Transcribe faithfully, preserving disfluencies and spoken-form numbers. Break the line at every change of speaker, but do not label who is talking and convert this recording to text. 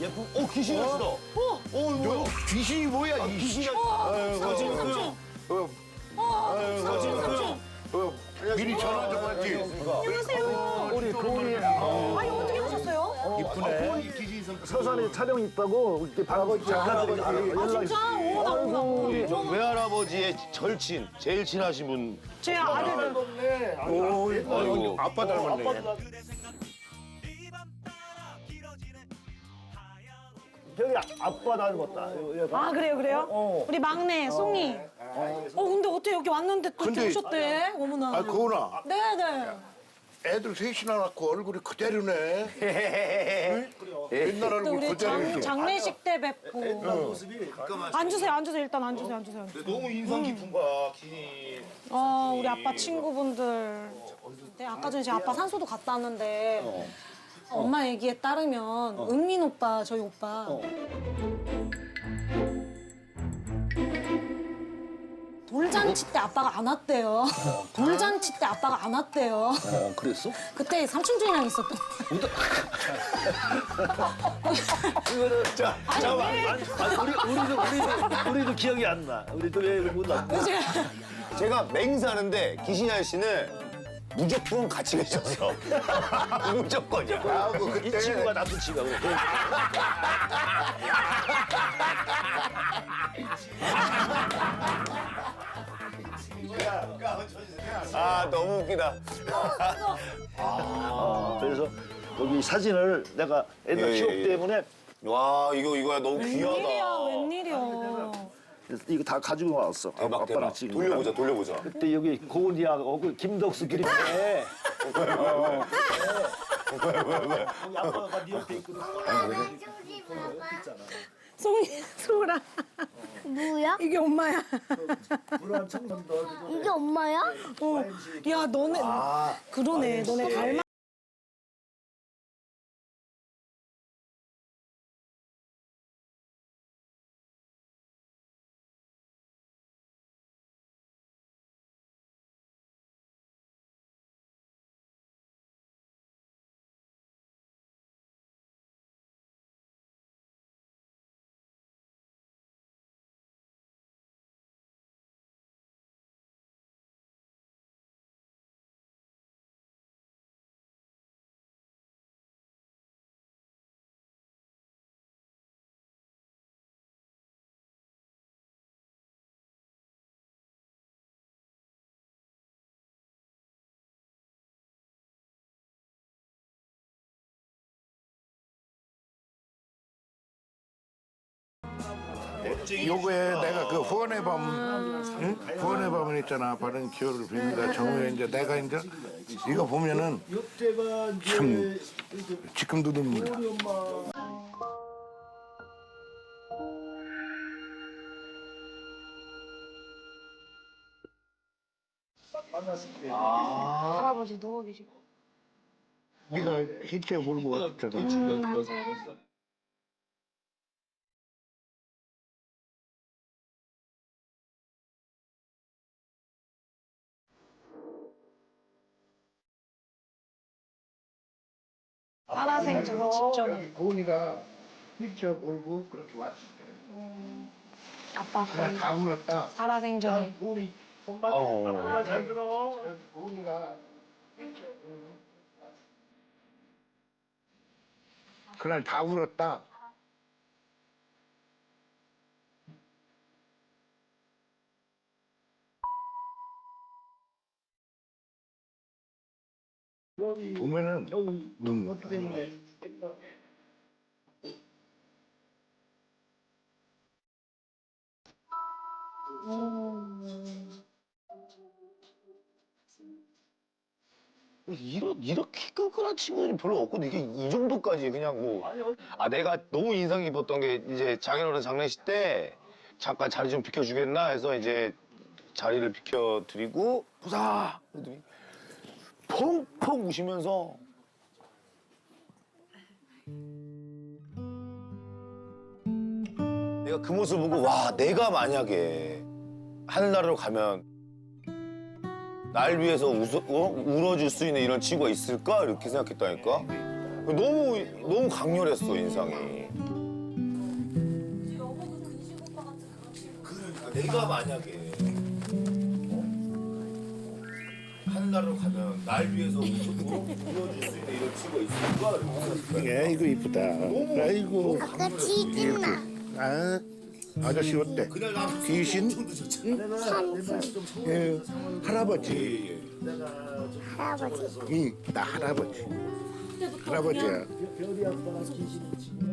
예쁜. 어 귀신 아시다. 어. 어 뭐야?
귀신이 뭐야?
아,
이
귀신이.
사진
어.
어,
사진 그.
어, 미리 전화 좀 하지.
안녕하세요.
우리 고은이
아니 어떻게 오셨어요?
이쁘네.
서산에 촬영 있다고 이렇게 방금 작가들이
아 진짜? 오 나온다.
우리 저 외할아버지의 절친, 제일 친하신 분.
제 아들들.
오,
아이고.
아빠 닮았네.
저기 아빠 닮았다.
아 그래요 그래요?
어.
우리 막내 송이. 어 근데 어떻게 여기 왔는데 또 이렇게
근데-
오셨대? 어머나.
아, 고은아.
네네.
애들 셋이나 낳고 얼굴이 그대로네. 응? 옛날
또
얼굴
우리 장,
그대로지.
장례식 때 뵙고. 앉으세요 앉으세요 일단 앉으세요 앉으세요.
너무 인상 깊은 거야, 귀신이.
어 우리 아빠 친구분들. 네 아까 전에 제 아빠 산소도 갔다 왔는데 엄마 얘기에 따르면 은민 오빠 저희 오빠. 돌잔치 때 아빠가 안 왔대요. 돌잔치 때 아빠가 안 왔대요.
어, 그랬어?
그때 삼촌들이랑 있었던.
이거는
자, 잠깐만.
아니, 아니 우리 우리도 우리도 우리도 기억이 안 나. 우리도 왜못 나?
그치?
제가 맹세하는데 귀신 아저씨는 무조건 같이 계셨어. 무조건이야.
아, 그
이
그때
친구가 나쁜 친구야. 그래.
아 너무 웃기다.
어, 그래서 여기 사진을 내가 옛날
예,
취업
예, 예.
때문에
와 이거 이거야 너무
웬일이야
귀하다.
웬일이야.
이거 다 가지고 왔어.
대박
아빠랑
대박.
찍은
돌려보자 돌려보자.
그때 여기 고은이하고 그 김덕수 그림인데 아빠가 네 옆에 있거든.
송이 소라.
뭐야?
이게 엄마야.
불안 청년도
이게 엄마야?
어. 야 너네 그러네 너네 닮아.
요거에 내가 그 후원의 밤, 응? 후원의 밤은 있잖아. 바른 기호를 빕니다. 정우에 이제 내가 이제 이거 보면은 참 지금도 눈물 나.
할아버지 누워 계시고.
네가 hit에 몰고 왔잖아.
살아생전 직접
고은이가 hit에 몰고 그렇게 왔을 때.
아빠
그냥 다 울었다.
살아생전에.
우리 엄마
어.
엄마 잘 들어. 고은이가 그날 다 울었다. 보면은 눈물 나.
이렇게 이렇게 끈끈한 친구들이 별로 없거든. 이게 이 정도까지 그냥 뭐. 아 내가 너무 인상 깊었던 게 이제 장인어른 장례식 때 잠깐 자리 좀 비켜주겠나 해서 이제 자리를 비켜드리고 보자. 그러더니 펑펑 우시면서. 내가 그 모습 보고 와 내가 만약에 하늘나라로 가면 날 위해서 웃어, 어? 울어줄 수 있는 이런 친구가 있을까? 이렇게 생각했다니까. 너무 너무 강렬했어 인상이. 그러니까 내가 만약에 어? 하늘나라로 가면 날 위해서 울어줄 수 있는 이런 친구가 있을까?
아이고 이쁘다. 아이고.
아까 치즈나
아 아저씨 어때?
그날 나
귀신?
산수
예, 할아버지.
할아버지.
응, 나 할아버지. 할아버지야.
별이 아빠가 귀신을 치면